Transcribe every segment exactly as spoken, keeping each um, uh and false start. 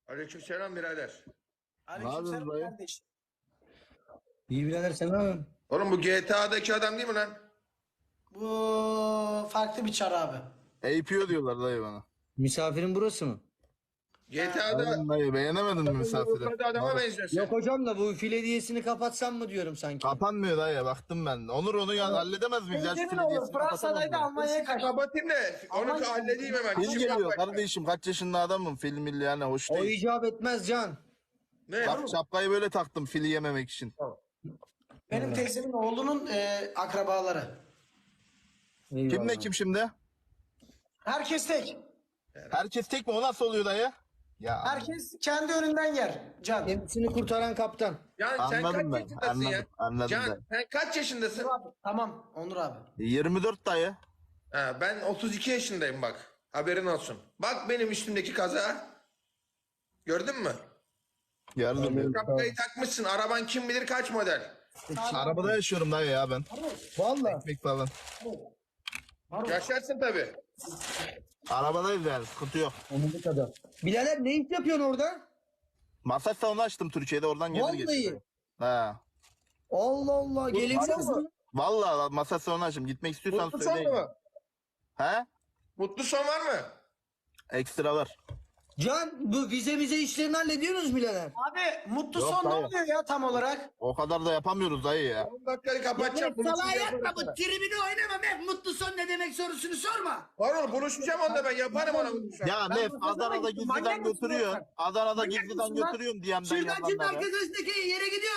Aleykümselam birader. Aleykümselam dayı? kardeş. İyi birader sen ne yapıyorsun? Oğlum bu G T A'daki adam değil mi lan? Bu farklı bir çar abi. A P O diyorlar dayı bana. Misafirin burası mı? G T A'da Aynen dayı, beğenemedin mi misafiri? Urfa'da adama benziyorsun. Yok hocam da bu file diyesini kapatsam mı diyorum sanki. Kapanmıyor dayı, baktım ben. Onur onu ya halledemez miyiz? Ya şu Emin file olur. diyesini Fransa'daydı kapatamaz mı? Almanya'ya kaçtı. Kapatayım da onu Aman- halledeyim hemen. Film İşim geliyor var. kardeşim, kaç yaşında adamım, film milli yani hoş O değil. icap etmez Can. Ne? Bak şapkayı böyle taktım fili yememek için. Benim teyzemin oğlunun e, akrabaları. Eyvallah. Kim ne kim şimdi? Herkes tek. Herkes tek mi? O nasıl oluyor dayı? Ya Herkes kendi önünden yer. Can. Gemisini kurtaran kaptan. Can sen Anladım kaç ben, yaşındasın anladım, ya? anladım Can ben. sen kaç yaşındasın? Onur abi. Tamam Onur abi. yirmi dört dayı. Ha, ben otuz iki yaşındayım bak. Haberin olsun. Bak benim üstümdeki kaza. Gördün mü? Gördüm. Şapkayı takmışsın. Araban kim bilir kaç model. Arabada yaşıyorum dayı ya ben. Vallahi. Ekmek falan. Yaşarsın tabii. Arabadayız yani, sıkıntı yok. Onun kadar. Birader ne iş yapıyorsun orada? Masaj salonu açtım Türkiye'de, oradan gelir Vallahi. getirdim. He. Allah Allah. Gelebilirsiniz Var mi? mı? Vallahi masaj salonu açtım. Gitmek istiyorsan Mutlu son söyleyin. mu? He? Mutlu son var mı? Ekstra var. Can bu vize vize işlerini hallediyorsunuz birader. Abi mutlu Yok, son ne hayır. oluyor ya tam olarak? O kadar da yapamıyoruz dayı ya. on dakikayı kapatacağım. Salağa yatma bu tribini oynama Mef. Mutlu son ne demek sorusunu sorma. Var oğlum buluşacağım onda ben yaparım ona buluşacağım. Ya Ben Mef bu kazana Adana'da gittim, gizliden manyak mısın götürüyor. sen? Adana'da Manyak gizliden mısın lan? götürüyorum diyemden Şırdancının yalanlara. arkasındaki yere gidiyor.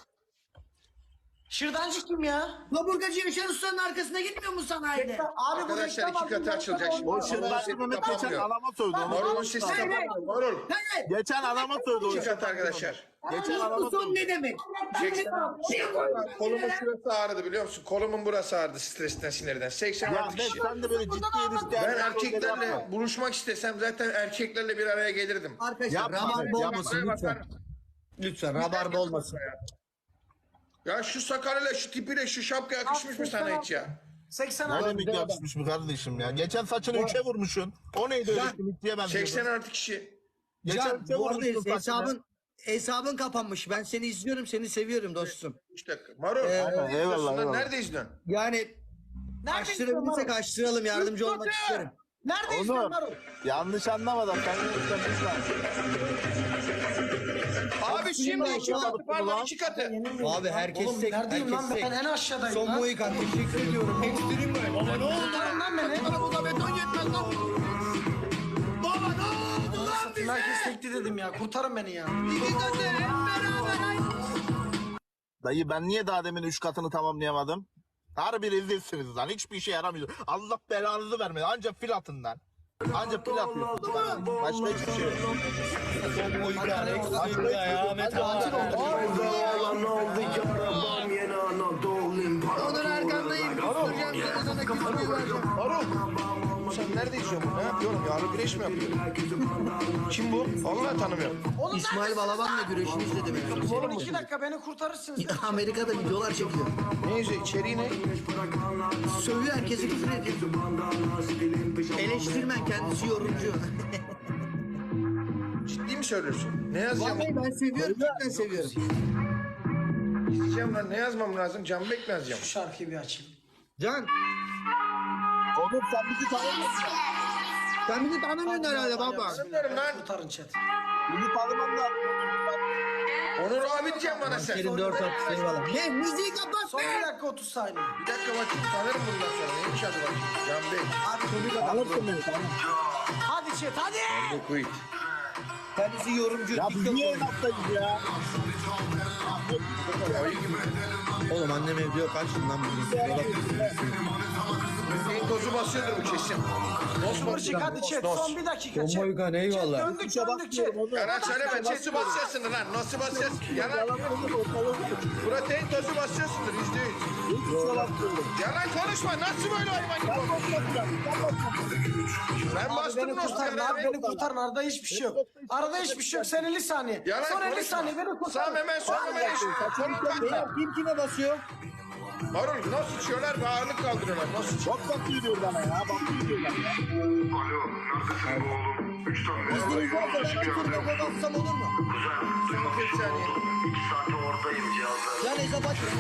Şırdancı kim ya? Kaburgacı Yaşar Usta'nın arkasına gitmiyor mu sanayide? Abi bu Arkadaşlar reklam iki katı aldım, açılacak reklam şimdi. O aldım. şırdancı Mehmet geçen Kapanmıyor. alama sövdü. onu Marul'un unutma. sesi kapanmıyor. Marul. Evet. Geçen alama sövdü. o İki katı şırdancı. arkadaşlar. Geçen alama Mutlu son sövdü. ne demek? Kolumun şurası ağrıdı biliyor musun? Kolumun burası ağrıdı stresten sinirden. seksen Ya altı Mef kişi. sen de böyle ciddi ilişki Ben yapma. erkeklerle buluşmak istesem zaten erkeklerle bir araya gelirdim. Arkadaşlar Yapma, rabarba yapma. olmasın lütfen. Lütfen rabarba olmasın. Ya şu sakalıyla şu tipiyle şu şapka yakışmış mı sana hiç ya? seksen Ne abi. demek yapışmış bu kardeşim ya. Geçen saçını üçe vurmuşsun. O neydi öyle simitliye benziyordu. seksen artı kişi. Geçen Can üçe bu arada vurmuşsun saçını. hesabın hesabın kapanmış. Ben seni izliyorum, seni seviyorum dostum. üç dakika. Marul. Ee, eyvallah, eyvallah, eyvallah. Nerede izliyorsun? Yani Nerede açtırabilirsek açtıralım, yardımcı olmak isterim. Nerede Onur, izliyorsun Marul? yanlış anlamadan sen lütfen. Abi şimdi iki Ulan, katı pardon iki katı. Abi herkes Oğlum tek, neredeyim herkes lan tek. ben en aşağıdayım Son lan. Mohikan teşekkür ediyorum. Ekstrem mi? Baba ne oldu? Kurtarın lan beni. Arabada beton yetmez lan. Baba ne oldu lan Satın bize? herkes tekli dedim ya. Kurtarın beni ya. İki katı hep beraber aynı. Dayı ben niye daha demin üç katını tamamlayamadım? Harbi rezilsiniz lan. Hiçbir işe yaramıyor. Allah belanızı vermedi. Ancak fil atın lan. Ancak fil atıyorsunuz. Tamam. Başka hiçbir şey yok. Son Mohikan ekstrem ya. Ahmet abi. Onur arkandayım. Kusturacağım seni sana küçüğü vereceğim. Marul. Sen nerede izliyorsun bunu? Ne yapıyorum? Yağlı güreş mi yapıyorum? Kim bu? Vallahi tanımıyorum. Oğlum İsmail Balaban'la güreşini izledim. yani. Oğlum iki dakika beni kurtarırsınız. Amerika'da videolar çekiyor. Ne izliyor? İçeriği ne? Sövüyor herkesi küfür ediyor. Eleştirmen kendisi yorumcu. Ciddi mi söylüyorsun? Ne yazacağım? Vallahi ben seviyorum, cidden seviyorum. İzleyeceğim lan. Ne yazmam lazım? Canbek mi yazacağım? Şu şarkıyı bir açayım. Can, Oğlum sen bizi tanımıyorsun. sen bizi tanımıyorsun herhalde baba. Tanımıyorum lan. Kurtarın chat. Bizi tanıman lazım. Onur abi diyeceğim bana sen. Kerim dört at seni valla. Ne müziği kapat Son be. bir dakika otuz saniye. Bir dakika bakayım. Tanırım bundan sonra. Neymiş adı bakayım? Canbek. Tanırsın beni tamam. Hadi chat hadi. Canbek Kuyut. Kendisi yorumcu. Ya biz TikTok niye yorumcu. enaftayız ya? Ayı gibi. Oğlum annem evde yok açtım lan bugün. Neyin tozu basıyordur bu kesin. Nos Kıvırcık hadi chat Nos. son bir dakika chat. Mohikan eyvallah. Döndük döndük chat. Yalan söyleme. Nasıl basıyorsun lan? Nasıl basıyorsun? Yalan. Protein tozu basıyorsundur yüzde yüz. Yalan konuşma. Nasıl böyle hayvan gibi olmuş? Ben Abi bastım beni Nos kurtarın abi kararı. beni kurtarın arada hiçbir şey yok. Arada hiçbir şey yok sen elli saniye. Yalan Son elli konuşma. saniye beni Sağ kurtarın. hemen sol hemen eş. Kolun kalkma. Kim kime basıyor? Marul nasıl içiyorlar ve ağırlık kaldırıyorlar. Nasıl içiyor? Çok bakıyor diyor bana ya. Bakıyor diyorlar ya. Alo, neredesin oğlum? İzniniz varsa ben ankırma babatsam olur mu? Son kırk saniye. Can hesap açın.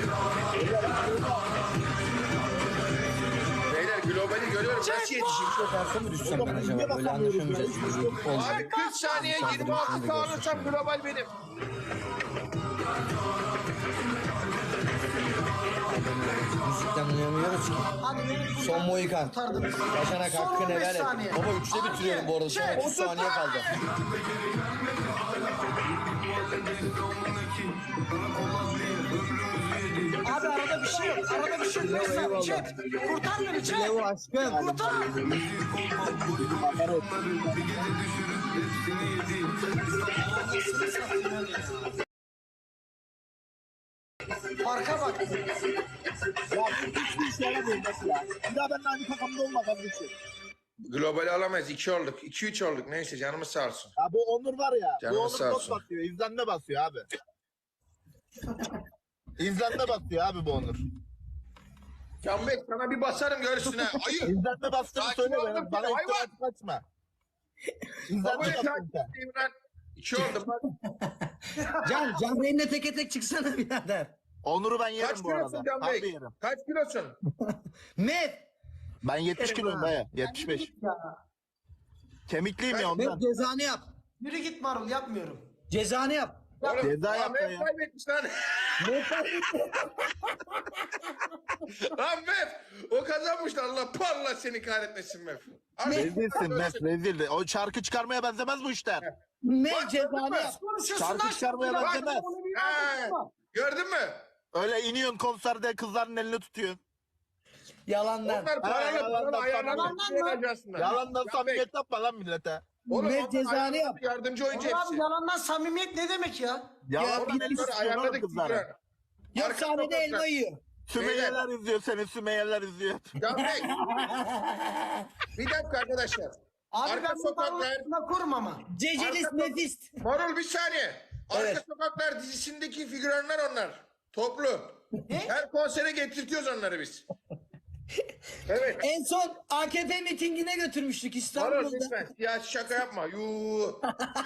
Beyler globali görüyorum. Nasıl yetişeyim? Karşı mı düşsem ben acaba? Böyle anlaşamayacağız. Abi kırk saniye yirmi altı sağlırsam global benim. Müzikten uyamıyoruz ki. Hadi beni kurtar- Son Mohikan. kurtardınız. Yaşanak Son hakkını on beş helal et. saniye. Baba üçte Abi, bitiriyorum bu arada. Son şey, otuz saniye kaldı. Abi arada bir şey yok. Arada bir şey yok. Beş saniye. Chat. Kurtar beni chat. Levo aşkım. Kurtar. Farka bak. Ya hiçbir işe yaramıyor mesela. Bir daha benimle aynı takımda olma kardeşim. Globali alamayız. iki olduk. iki üç olduk. Neyse canımız sağ olsun. Ya bu Onur var ya. Canımız bu Onur sağ çok olsun. basıyor. İzlenme basıyor abi. İzlenme basıyor abi bu Onur. Can Bey sana bir basarım görsün ha. Ayı. İzlenme bastığını Sakin söyle ol bana. lan, Bana hayvan. iftira kaçma. İzlenme Babaya bastın takip sen. edeyim lan. iki oldu. Bak. Can, Can Reyn'le teke tek çıksana birader. Onur'u ben yerim Kaç bu arada. kilosun Can Harbi Bey? yerim. Kaç kilosun? Mev. Ben yetmiş kiloyum dayı. yetmiş beş. Kemikliyim ya Mev ondan. cezanı yap. Yürü git Marul yapmıyorum. Cezanı yap. Oğlum, Ceza Ahmet yapma ya. kaybetmiş lan. Mev kaybetti. Lan Mef. O kazanmış lan. Allah parla seni kahretmesin Mef. Abi, Rezilsin Mes rezildi. O şarkı çıkarmaya benzemez bu işler. Mev cezanı yap. Konuşuyorsun Şarkı lan. çıkarmaya Bak, benzemez. bunu bir He, anlatma. gördün mü? Öyle iniyorsun konserde kızların elini tutuyorsun. Yalandan. Onlar paralı yalandan paralı ayarlanmış. yalandan mı? Aslında. Yalandan Can samimiyet yapma lan millete. Oğlum, Mev onlar cezanı ayarlanmış, yap. Yardımcı oyuncu Oğlum hepsi. abi yalandan samimiyet ne demek ya? Yalandan Oradan elini sonra tutuyorsun oğlum ayarladık kızlara. figüran. Yok Arka sahnede sokaklar. elma yiyor. Sümeyyeler izliyor seni, Sümeyyeler izliyor. Can Bey. Bir dakika arkadaşlar. Abi Arka ben bu sokaklar- Marul'la kurum ama. Cecelis Arka- Mefist. Marul bir saniye. Arka Evet. Sokaklar dizisindeki figüranlar onlar. Toplu. Her konsere getirtiyoruz onları biz. Evet. En son A K P mitingine götürmüştük Marul İstanbul'da. lütfen. Ya şaka yapma. Yuu.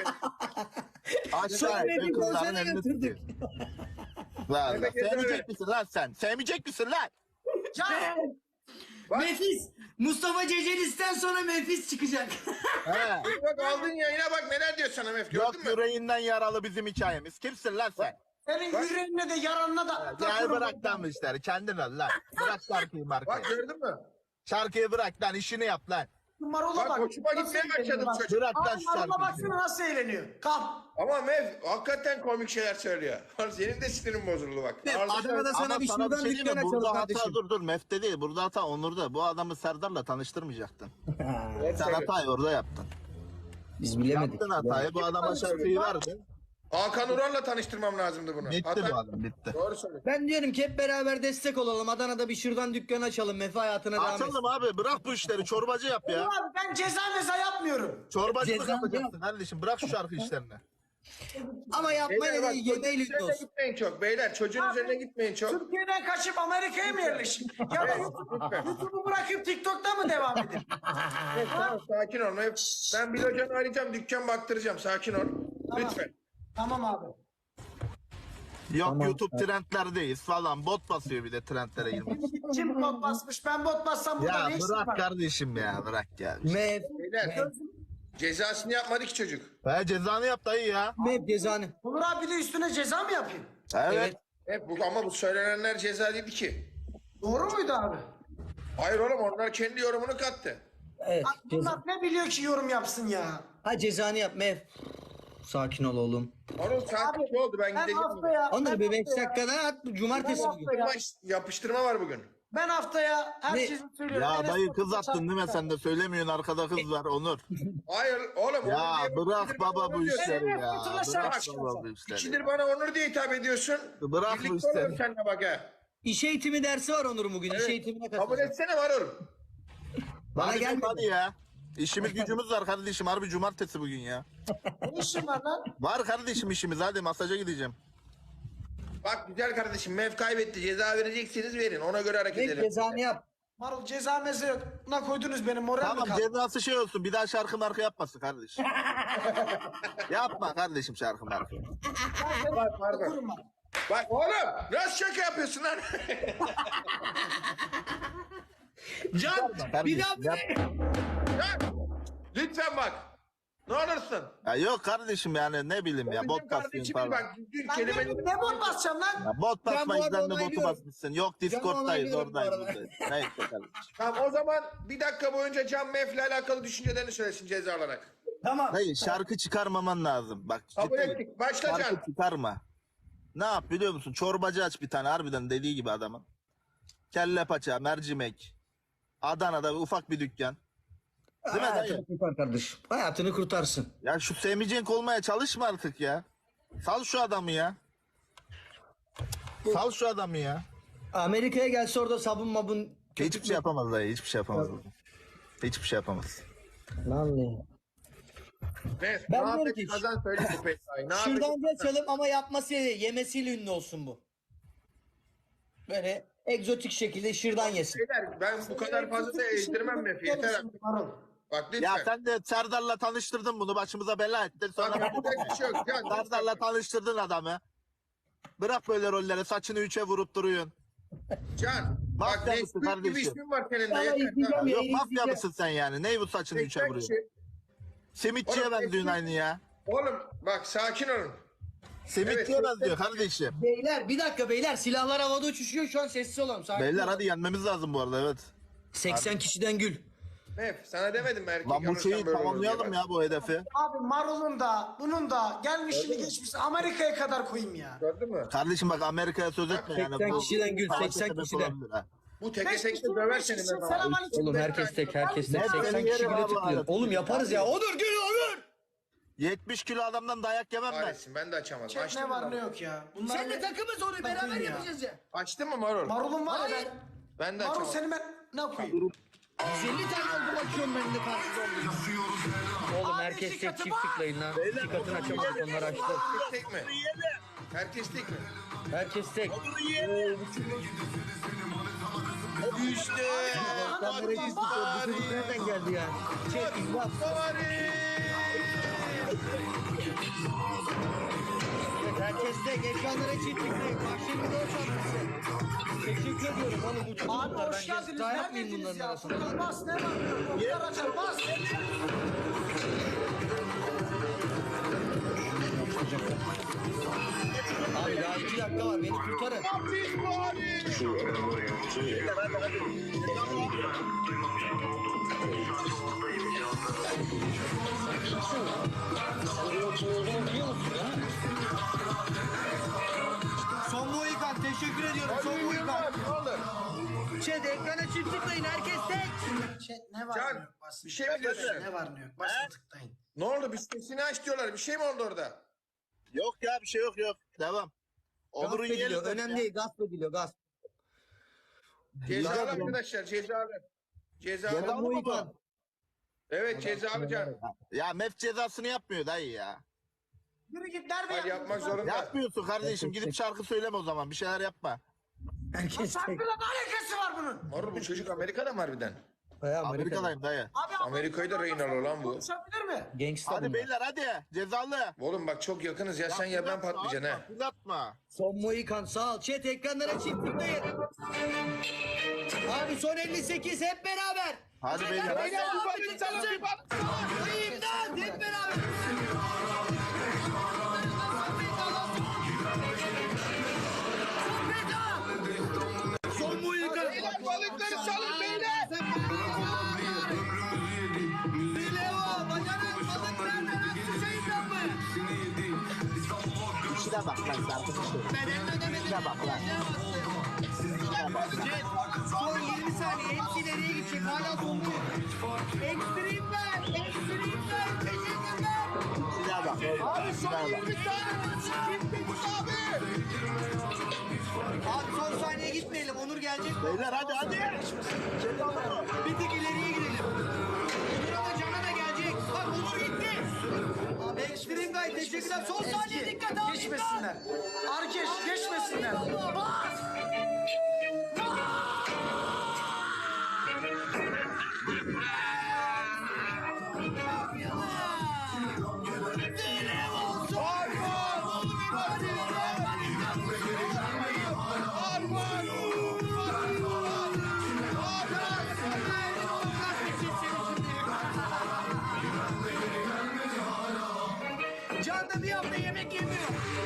Aşağı Sonra in, bir kızların konsere elini götürdük. tutuyor. Lan lan, Evet, evet. sevmeyecek misin lan sen? Sevmeyecek misin lan? Can. Bak, Mefis. Mustafa Cecelis'ten sonra Mefis çıkacak. He. bak aldın yayına bak neler diyor sana Mef. Yok Gördün mü? yüreğinden yaralı bizim hikayemiz. Kimsin lan sen? Senin yüreğine de yaranına da. Ya bırak lan bu işleri. Kendin ol lan. Bırak şarkıyı Bak markayı. gördün mü? Şarkıyı bırak lan. İşini yap lan. Marul'a Bak bak. hoşuma Nasıl gitmeye eğleniyor başladım bak. çocuk. Bırak lan Abi şu Marul'a şarkıyı. baksana nasıl eğleniyor. Kalk. Ama Mev hakikaten komik şeyler söylüyor. Senin de sinirin bozuldu bak. Mev, Arzu- Adana'da sana Ama bir sana bir şuradan şey diyeyim dükkan mi? açalım Burada hata kardeşim. dur dur. Mefte değil. Burada hata Onur'da. Bu adamı Serdar'la tanıştırmayacaktın. Evet, Sen söylüyor. hatayı orada yaptın. Biz bilemedik. Yaptın hatayı. Bu adama şarkıyı verdin. Hakan Ural'la tanıştırmam lazımdı bunu. Bitti Hata- bu adam bitti. Doğru söylüyor. Ben diyorum ki hep beraber destek olalım. Adana'da bir şuradan dükkan açalım. Mefe hayatına devam etsin. Açalım abi. Bırak bu işleri. Çorbacı yap ya. Abi ben ceza meza yapmıyorum. Çorbacılık Ceza yapacaksın kardeşim. Bırak şu şarkı işlerini. Ama yapmayın Beyler bak dedi. çocuğun Yemeğiyle üzerine olsun. gitmeyin çok. Beyler çocuğun üzerine gitmeyin çok. Türkiye'den kaçıp Amerika'ya mı yerleşin? Ya da YouTube- YouTube'u bırakıp TikTok'ta mı devam edin? Evet, tamam, sakin ol. Ben, ben bir hocanı arayacağım. Dükkan baktıracağım. Sakin ol. Lütfen. Tamam abi. Yok YouTube trendlerdeyiz falan. Bot basıyor bir de trendlere girmek için. Kim bot basmış? Ben bot bassam burada Ya ne işim bırak var? kardeşim ya. Bırak ya. Mev. Beyler cezasını yapmadı ki çocuk. He cezanı yap dayı ya. Mev cezanı. Onur abi de üstüne ceza mı yapayım? Evet. Evet. Evet, bu, ama bu söylenenler ceza değildi ki. Doğru muydu abi? Hayır oğlum onlar kendi yorumunu kattı. Evet. Abi Ceza. bunlar ne biliyor ki yorum yapsın ya? Ha cezanı yap Mev. Sakin ol oğlum. Onun saat Abi, iki oldu ben Ben gideceğim. haftaya, Onları ben bir beş haftaya, dakikada at. Cumartesi Ben bugün. haftaya- Yapıştırma, yapıştırma var bugün. ben haftaya herkese söylüyorum. Ya Enes dayı Batur'u kız attın değil mi sen de söylemiyorsun arkada kız var Onur. Hayır oğlum. Ya Onur diye- bırak İkidir baba bana bu Onur diyor. işleri Enes ya. Batur'la Bırak şarkı baba bu işleri. İkidir bana Onur diye hitap ediyorsun. Bırak bu Birlikte işleri. olalım seninle bak ha. İş eğitimi dersi var Onur'un bugün. İş Evet. eğitimine Kabul katılacak. etsene var oğlum. Bana Hadi gelmedi. hadi ya. İşimiz gücümüz var kardeşim. Harbi cumartesi bugün ya. Ne işin var lan? Var kardeşim işimiz. Hadi masaja gideceğim. Bak güzel kardeşim Mev kaybetti. Ceza verecekseniz verin. Ona göre hareket Mev edelim. cezanı yap. Marul ceza mezuna koydunuz benim moral mi Tamam kaldı? cezası şey olsun. Bir daha şarkı marka yapmasın kardeşim. Yapma kardeşim şarkı marka. Bak pardon. Kurma. Bak oğlum nasıl şaka yapıyorsun lan? Can bir Kardeşim, daha yapma. Ya, lütfen bak. Ne olursun. Ya yok kardeşim yani ne bileyim ya Bizim bot basıyorsun kardeşimin falan. bak düzgün Ben ne, kelimeleri... ne bot basacağım lan? Ya bot Ben bu basma arada yüzden de botu onaylıyorum. basmışsın. Yok Discord'dayız onaylıyorum bu oradayız arada. buradayız. Neyse kardeşim. Tamam o zaman bir dakika boyunca Can Mef'le alakalı düşüncelerini söylesin ceza olarak. Tamam. Hayır şarkı çıkarmaman lazım. Bak Kabul cidden ettik. Başla Can. şarkı çıkarma. Ne yap biliyor musun? Çorbacı aç bir tane harbiden dediği gibi adamın. Kelle paça, mercimek. Adana'da bir ufak bir dükkan. Değil mi dayı? Hayatını kurtar kardeşim. Hayatını kurtarsın. Ya şu Semih olmaya çalışma artık ya. Sal şu adamı ya. Sal şu adamı ya. Amerika'ya gelse orada sabun mabun. Hiçbir şey yapamaz dayı. Hiçbir şey yapamaz. Hiçbir şey yapamaz. Lan ne? Mef, Ben ne diyorum yapayım ki- kazan söyle bu Pesa'yı. Ne Şuradan yapayım? geçelim ama yapmasıyla yemesiyle ünlü olsun bu. Böyle egzotik şekilde şırdan yesin. Beyler, ben bu kadar fazla da ezdirmem Mef'i. Yeter artık. Marul. Bak lütfen. Ya sen de Serdar'la tanıştırdın bunu. Başımıza bela ettin. Bak Sonra yapacak bir şey yok. Can, Serdar'la tanıştırdın adamı. Bırak böyle rolleri. Saçını üçe vurup duruyorsun. Can. Bak Mafya mısın Nesquik gibi kardeşim? ismin var senin de. Sana Yeter. izleyeceğim Tamam. ya. Yok mafya izleyeceğim. mısın sen yani? Ney bu saçını üçe Seksen vuruyorsun? kişi. Simitçiye Oğlum, benziyorsun Nesquik- aynı ya. Oğlum bak sakin olun. Simitçiye Evet, benziyor kardeşim. Beyler bir dakika beyler silahlar havada uçuşuyor şu an sessiz olalım. Sakin Beyler olun. hadi yenmemiz lazım bu arada evet. seksen kişiden gül. Mef sana demedim mi erkek Lan bu alırsan şeyi böyle olur tamamlayalım diye. ya bu hedefi. Abi Marul'un da bunun da gelmişini geçmiş Amerika'ya kadar koyayım ya. Gördün mü? Kardeşim bak Amerika'ya söz etme yani. seksen Bu- kişiden gül, savaşa seksen sebep kişiden. olabilir ha. Bu teke Beş tekte kişi, döver beş seni kişi, ben. selamünaleyküm. Oğlum herkes tek herkes tek Ne seksen seni kişi yerim bile abi tutuyor. arada. Oğlum yaparız ya. Onur gül Onur. yetmiş kilo adamdan dayak yemem ben. Kahretsin ben de açamadım. Chat Açtın ne mı? var ne yok ya. Bunlar Seninle ne- takımız onu beraber Takım ya. yapacağız ya. Açtın mı Marul? Marul'un var ya Hayır. ben. Ben de Marul açamadım. seni ben ne koyayım? yüz elli tane oldu bakıyorum ben de karşıda Oğlum Abi, herkes iki tek katı çift var. tıklayın lan. İki katını açamadık onlar açtı. Herkes tek mi? Herkes tek mi? Herkes tek. İşte. Sen nereye çift tıklıyor? Bu çocuk nereden geldi ya? Çek imdat. Herkes tek. Ekranlara çift tıklayın. Akşam video çarpısı. Teşekkür ediyorum oğlum bu Abi çocuklar. hoş Ben geldiniz. ceza yapmayayım Neredesiniz bunların ya? arasında. Furkan bas ne var ne yok. Oklar açar bas. Abi daha iki dakika var. Beni kurtarın. Son Mohikan teşekkür ediyorum. Son Mohikan. Ne olur? Chat ekrana çift tıklayın. Herkes tek. Chat ne var Can, ne yok bas. bir şey mi diyorsun? Ne var ne yok basın tıklayın. Ne oldu? Bir sesini aç diyorlar. Bir şey mi oldu orada? Yok ya bir şey yok yok. Devam. Gasp Onur'un ediliyor. yerini Önemli değil. Gasp ediliyor. Gasp. Cezalı Cezalı mı? arkadaşlar cezalı. Cezalı. Cezalı mı bu? Evet cezalı Can. Ya mef cezasını yapmıyor dayı ya. Yürü git nerede Hayır yapmak zorunda. Yapmıyorsun kardeşim. Gidip şarkı söyleme o zaman. Bir şeyler yapma. Herkes tek. Şarkıyla ne alakası var bunun? Marul bu çocuk Amerika'da mı harbiden? Bayağı Amerika'da. Amerika'dayım dayı. Abi Amerika'yı da rehin alıyor lan bu. konuşabilir mi? Gangsta Hadi bunlar. beyler hadi. Cezalı. Oğlum bak çok yakınız ya sen ya ben fırlatma, patlayacaksın atma, ha. fırlatma. Son Mohikan sağ ol. Chat ekranlara çift tıklayın. Abi son elli sekiz hep beraber. Hadi beyler. hadi. Beyler abi tıklasın. İmdat hep beraber. Son Mohikan. Balıkları salın beyler. Bileo, bacanın balık nerede? Nasıl şeyden mi? İşine bak lan şarkı söyle. Bedelini ödemedim. İşine bak lan. İşine bak. Son yirmi saniye hepsi ileriye gidecek. Hala sonluyor. Ekstrem ver. Ekstrem ver. Teşekkürler. İşine bak. Abi son İşine bak. yirmi tane. Kimdiniz abi? Abi son saniye gitmeyelim. Onur gelecek. Beyler hadi hadi. Cezalı. Bir tık ileriye gidelim. Onur'a da Can'a da gelecek. Bak Onur gitti. Abi Ekstrem Guy teşekkürler. Son saniye dikkat abi. Geçmesinler. Arkeş geçmesinler. Bas. da bir hafta yemek yemiyor.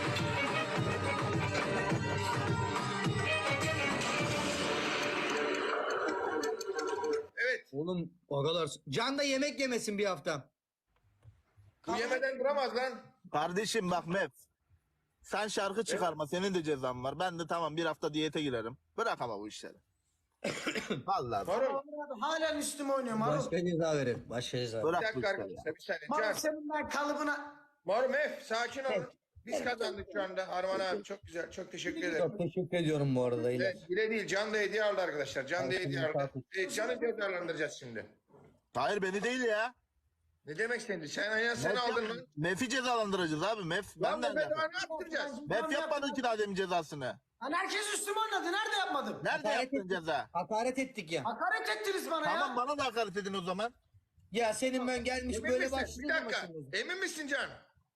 Evet. Oğlum o kadar. Can da yemek yemesin bir hafta. Bu yemeden duramaz lan. Kardeşim bak Mef. Sen şarkı çıkarma. Senin de cezan var. Ben de tamam bir hafta diyete girerim. Bırak ama bu işleri. Vallahi bak, Marul. Halen üstüme oynuyor Marul. Başka ceza verir. Başka ceza. Bir bırak bu dakika işleri. arkadaşlar bir saniye. Marul Can. senin ben kalıbına. Marul Mef sakin olun. Biz kazandık şu anda. Arman abi çok güzel. Çok teşekkür ederim. Çok teşekkür ediyorum bu arada. İlyas. Evet, bile değil. Can da hediye aldı arkadaşlar. Can da hediye aldı. Evet, Can'ı cezalandıracağız şimdi. Hayır beni değil ya. Ne demek seni? Sen aynen sen aldın lan. Mef'i cezalandıracağız abi. Mef Lan benden bu bedava yapın. ne yaptıracağız? Mef yapmadı ki daha demin cezasını. Lan herkes üstüme oynadı. Nerede yapmadım? Nerede Hakaret yaptın ceza? Hakaret ettik ya. Hakaret ettiniz bana Tamam ya. bana da hakaret edin o zaman. Ya senin ben gelmiş Emin böyle misin? Bir başlıyor dakika. maçımız. Emin misin Can?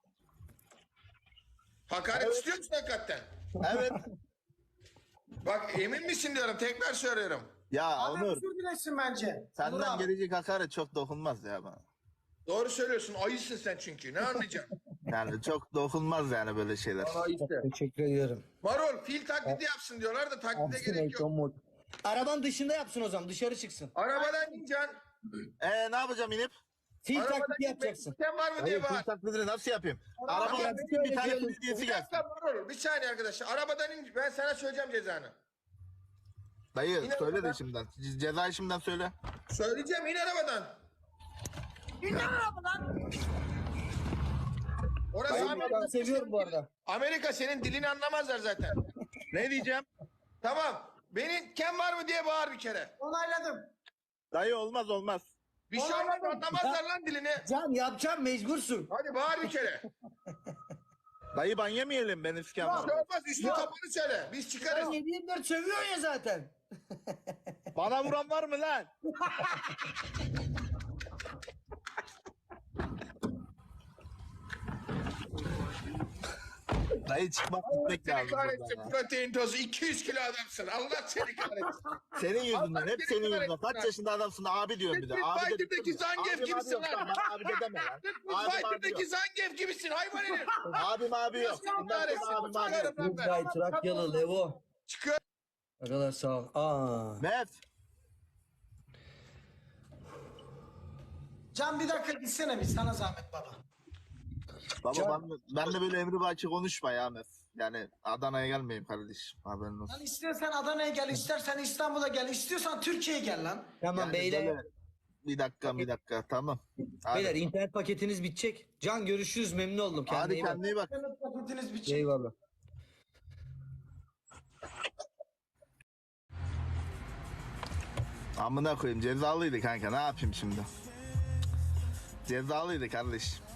Hakaret istiyor musun hakikaten? Evet. Bak emin misin diyorum. Tekrar söylüyorum. Ya Adam Onur özür dilesin bence. Onur senden abi. gelecek hakaret çok dokunmaz ya bana. Doğru söylüyorsun. Ayısın sen çünkü. Ne anlayacaksın? Yani çok dokunmaz yani böyle şeyler. Ayısı. Teşekkür ediyorum. Marul fil taklidi yapsın diyorlar da taklide gerek yok. Arabanın dışında yapsın o zaman. Dışarı çıksın. Arabadan in Can. Ee ne yapacağım inip? Fil Arabadan taklidi in. yapacaksın. Sen var mı Hayır diye fil bağır. taklidini nasıl yapayım? Arabadan Arabadan in. bir tane Öyle fil hediyesi Bir gelsin. dakika Marul. Bir saniye arkadaşlar. Arabadan in. Ben sana söyleyeceğim cezanı. Dayı Yine söyle de arabadan. şimdiden. Ce- Cezayı şimdiden söyle. Söyleyeceğim. İn arabadan. İn lan arabadan. Orası Ben Amerika. seviyorum bu arada. Amerika senin dilini anlamazlar zaten. Ne diyeceğim? Tamam. Benim kem var mı diye bağır bir kere. Onayladım. Dayı olmaz olmaz. Bir şey olmaz anlamazlar lan dilini. Can yapacağım mecbursun. Hadi bağır bir kere. Dayı ban yemeyelim ben iskan Bir var. şey olmaz üstü kapanı söyle. Biz Sen çıkarız. yedi yirmi dört sövüyorsun ya zaten. Bana vuran var mı lan? Dayı çıkmak gitmek Seni lazım. kahretsin buradan ya. protein tozu iki yüz kilo adamsın. Allah seni kahretsin. Senin yüzünden Allah hep seni senin yüzünden. kahretsin. Kaç yaşında adamsın abi diyorum bir de. Street Abi de Fighter'daki Zangief Abim, gibisin abi yok. lan. Bana abi de deme lan. Street Abim abi Fighter'daki yok. Zangief gibisin hayvan herif. Abim abi yok. Allah Bundan kahretsin. sonra abim abi yok. Çıkarım lan ben. Gay Trakyalı Levo. Çıkar. Ne kadar sağ ol. Aa. Mef. Can bir dakika gitsene bir sana zahmet baba. Baba ben, ben de böyle emri baki konuşma ya Mef. Yani Adana'ya gelmeyeyim kardeşim. Haberin olsun. Lan istersen Adana'ya gel, istersen İstanbul'a gel, istiyorsan Türkiye'ye gel lan. Tamam Yani beyler. böyle- Bir dakika bir dakika tamam. Hadi, Beyler internet paketiniz bitecek. Can görüşürüz memnun oldum. Kendine hadi iyi bak. kendine iyi bak. İnternet paketiniz bir şey. Eyvallah. Amına koyayım cezalıydı kanka ne yapayım şimdi? Cezalıydı kardeş.